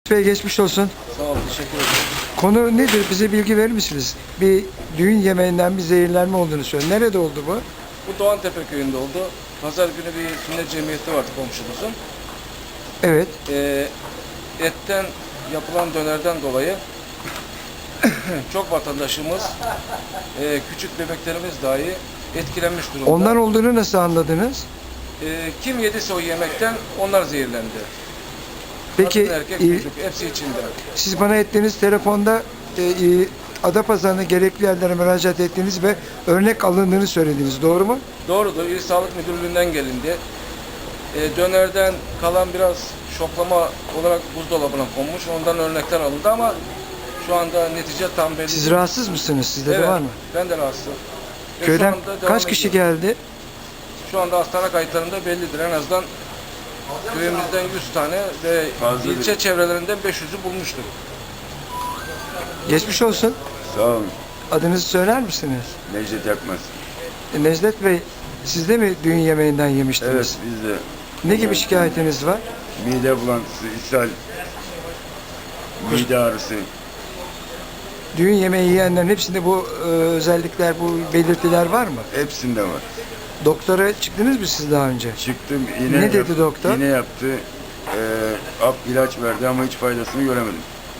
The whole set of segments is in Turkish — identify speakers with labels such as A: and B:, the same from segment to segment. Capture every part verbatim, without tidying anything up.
A: Bey geçmiş olsun.
B: Sağ olun, teşekkür ederim.
A: Konu nedir? Bize bilgi verir misiniz? Bir düğün yemeğinden bir zehirlenme olduğunu söylüyor. Nerede oldu bu?
B: Bu Doğantepe köyünde oldu. Pazar günü bir sünnet cemiyeti vardı komşumuzun.
A: Evet.
B: Ee, etten yapılan dönerden dolayı çok vatandaşımız, e, küçük bebeklerimiz dahi etkilenmiş durumda.
A: Ondan olduğunu nasıl anladınız?
B: Ee, kim yediyse o yemekten onlar zehirlendi.
A: Peki
B: Kadın, erkek,
A: e,
B: çocuk hepsi içinde.
A: siz bana ettiğiniz telefonda e, e, Adapazarı'na gerekli yerlere müracaat ettiğiniz ve örnek alındığını söylediniz. Doğru mu?
B: Doğrudur. İl Sağlık Müdürlüğü'nden gelindi. Ee, dönerden kalan biraz şoklama olarak buzdolabına konmuş. Ondan örnekler alındı ama şu anda netice tam belli.
A: Siz rahatsız mısınız? Sizde
B: Evet,
A: de var mı?
B: ben de rahatsızım. Ve
A: Köyden
B: şu anda devam
A: kaç kişi
B: ediyor.
A: geldi?
B: Şu anda hastane kayıtlarında bellidir. En azından köyümüzden yüz tane ve
C: Fazla
B: ilçe
C: değil.
B: çevrelerinden beş yüzü bulmuştur.
A: Geçmiş olsun.
C: Sağ olun.
A: Adınızı söyler misiniz?
C: Necdet Yakmaz.
A: E, Necdet Bey, siz de mi düğün yemeğinden yemiştiniz?
C: Evet, biz de
A: Ne gibi şikayetiniz var?
C: mide bulantısı, ishal, mide ağrısı.
A: Düğün yemeği yiyenlerin hepsinde bu e, özellikler, bu belirtiler var mı?
C: Hepsinde var.
A: Doktora çıktınız mı siz daha önce?
C: Çıktım, iğne
A: Ne dedi doktor?
C: İğne yaptı. Ee, ap ilaç verdi ama hiç faydasını göremedim.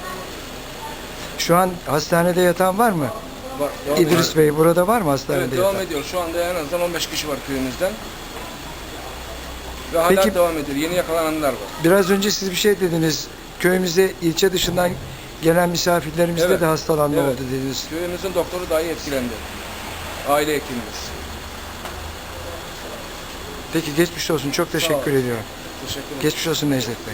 A: Şu an hastanede yatan var mı?
B: Var, devam
A: İdris
B: ediyor.
A: Bey burada var mı hastanede
B: Evet, devam
A: yatan?
B: ediyor. Şu anda en azından on beş kişi var köyümüzden. Ve hala
A: Peki-
B: devam ediyor. Yeni yakalananlar var.
A: Biraz önce siz bir şey dediniz. Köyümüzde ilçe dışından gelen misafirlerimizde
B: Evet.
A: de hastalanma
B: Evet.
A: oldu dediniz.
B: Köyümüzün doktoru dahi etkilendi. Aile hekimimiz.
A: Peki geçmiş olsun. Çok teşekkür
B: olun.
A: ediyorum.
B: Teşekkür ederim.
A: Geçmiş olsun Necdet Bey.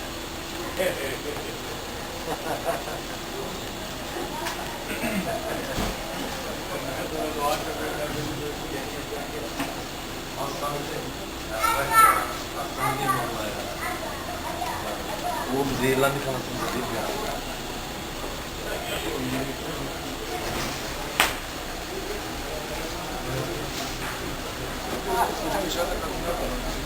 D: Oğlum zehirlendik anasını satayım ya.
B: Dışarıda kadınlar var.